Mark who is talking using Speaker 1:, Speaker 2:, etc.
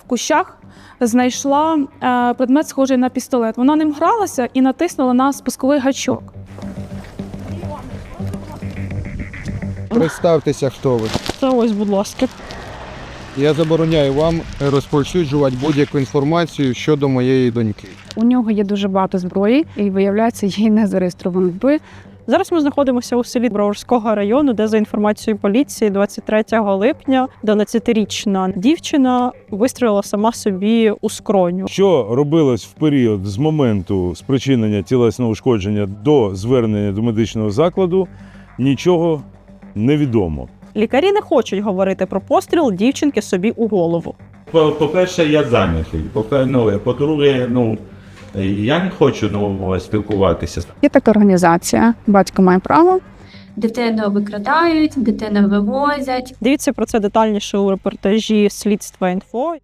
Speaker 1: кущах знайшла предмет, схожий на пістолет. Вона ним гралася і натиснула на спусковий гачок.
Speaker 2: Представтеся, хто ви.
Speaker 3: Та ось, будь ласка.
Speaker 2: Я забороняю вам розповсюджувати будь-яку інформацію щодо моєї доньки.
Speaker 4: У нього є дуже багато зброї, і, виявляється, їй не зареєстровано зброї.
Speaker 3: Зараз ми знаходимося у селі Броварського району, де, за інформацією поліції, 23 липня 12-річна дівчина вистрілила сама собі у скроню.
Speaker 5: Що робилось в період з моменту спричинення тілесного ушкодження до звернення до медичного закладу, нічого не відомо.
Speaker 3: Лікарі не хочуть говорити про постріл дівчинки собі у голову.
Speaker 6: По-перше, я зайнятий. По-друге, я не хочу спілкуватися.
Speaker 4: Є така організація «Батько має право».
Speaker 7: Дитину викрадають, дитину вивозять.
Speaker 3: Дивіться про це детальніше у репортажі «Слідства.Інфо».